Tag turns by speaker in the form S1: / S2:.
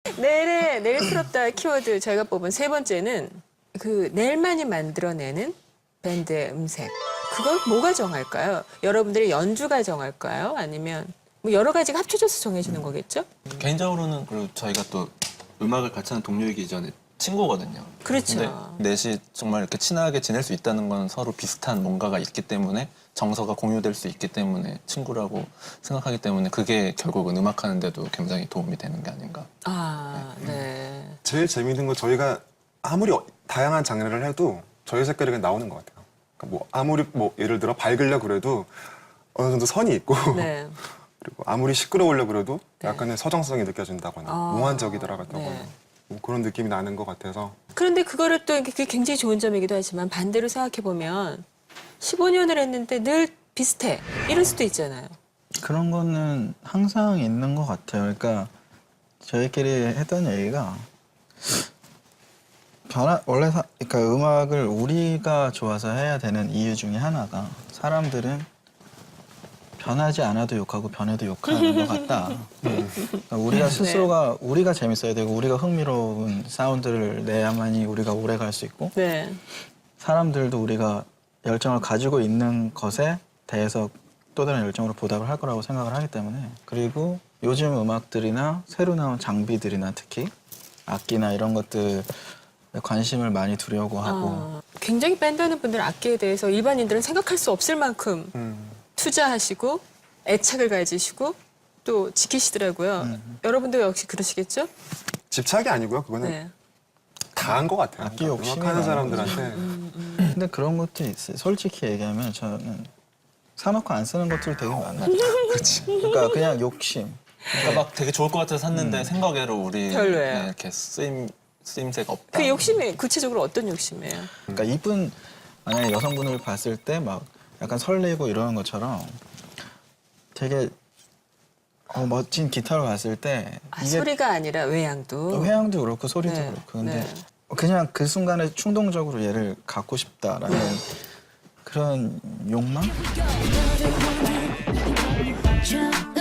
S1: 내일스럽다 키워드 저희가 뽑은 세 번째는 그 내일만이 만들어내는 밴드의 음색. 그걸 뭐가 정할까요? 여러분들의 연주가 정할까요? 아니면 뭐 여러 가지가 합쳐져서 정해지는 거겠죠?
S2: 개인적으로는 그리고 저희가 또 음악을 같이 하는 동료이기 전에 친구거든요.
S1: 그렇죠.
S2: 근데 넷이 정말 이렇게 친하게 지낼 수 있다는 건 서로 비슷한 뭔가가 있기 때문에 정서가 공유될 수 있기 때문에 친구라고 생각하기 때문에 그게 결국은 음악하는 데도 굉장히 도움이 되는 게 아닌가.
S1: 아, 네.
S3: 제일 재미있는 건 저희가 아무리 다양한 장르를 해도 저희 색깔이 그냥 나오는 것 같아요. 그러니까 뭐 아무리 뭐 예를 들어 밝으려고 그래도 어느 정도 선이 있고
S1: 네.
S3: 그리고 아무리 시끄러우려고 그래도
S1: 네.
S3: 약간의 서정성이 느껴진다거나
S1: 아,
S3: 몽환적이더라거나
S1: 네.
S3: 뭐 그런 느낌이 나는 것 같아서
S1: 그런데 그거를 또 그게 굉장히 좋은 점이기도 하지만 반대로 생각해보면 15년을 했는데 늘 비슷해. 이럴 수도 있잖아요.
S4: 그런 거는 항상 있는 것 같아요. 그러니까 저희끼리 했던 얘기가 그러니까 음악을 우리가 좋아서 해야 되는 이유 중에 하나가 사람들은 변하지 않아도 욕하고 변해도 욕하는 것 같다. 그러니까 우리가 스스로가 우리가 재밌어야 되고 우리가 흥미로운 사운드를 내야만이 우리가 오래 갈 수 있고
S1: 네.
S4: 사람들도 우리가 열정을 가지고 있는 것에 대해서 또 다른 열정으로 보답을 할 거라고 생각을 하기 때문에 그리고 요즘 음악들이나 새로 나온 장비들이나 특히 악기나 이런 것들에 관심을 많이 두려고 하고
S1: 굉장히 밴드하는 분들은 악기에 대해서 일반인들은 생각할 수 없을 만큼 투자하시고 애착을 가지시고 또 지키시더라고요. 여러분도 역시 그러시겠죠?
S3: 집착이 아니고요. 그거는
S1: 네.
S3: 다 한 것 같아요.
S4: 악기 욕심이
S3: 음악하는
S4: 많은
S3: 사람들한테
S4: 근데 그런 것도 있어요. 솔직히 얘기하면 저는 사놓고 안 쓰는 것들 되게 많아요.
S2: 그렇지.
S4: 그러니까 그냥 욕심.
S2: 그러니까 막 되게 좋을 것 같아서 샀는데 생각외로 우리
S1: 별로예요.
S2: 이렇게 쓰임새가 없다.
S1: 그 욕심이 구체적으로 어떤 욕심이에요?
S4: 그러니까 이분 만약에 여성분을 봤을 때 막 약간 설레고 이러는 것처럼 되게 멋진 기타를 봤을 때
S1: 아, 소리가 아니라 외양도.
S4: 회향도 그렇고 소리도
S1: 네,
S4: 그렇고 근데
S1: 네.
S4: 그냥 그 순간에 충동적으로 얘를 갖고 싶다라는 그런 욕망?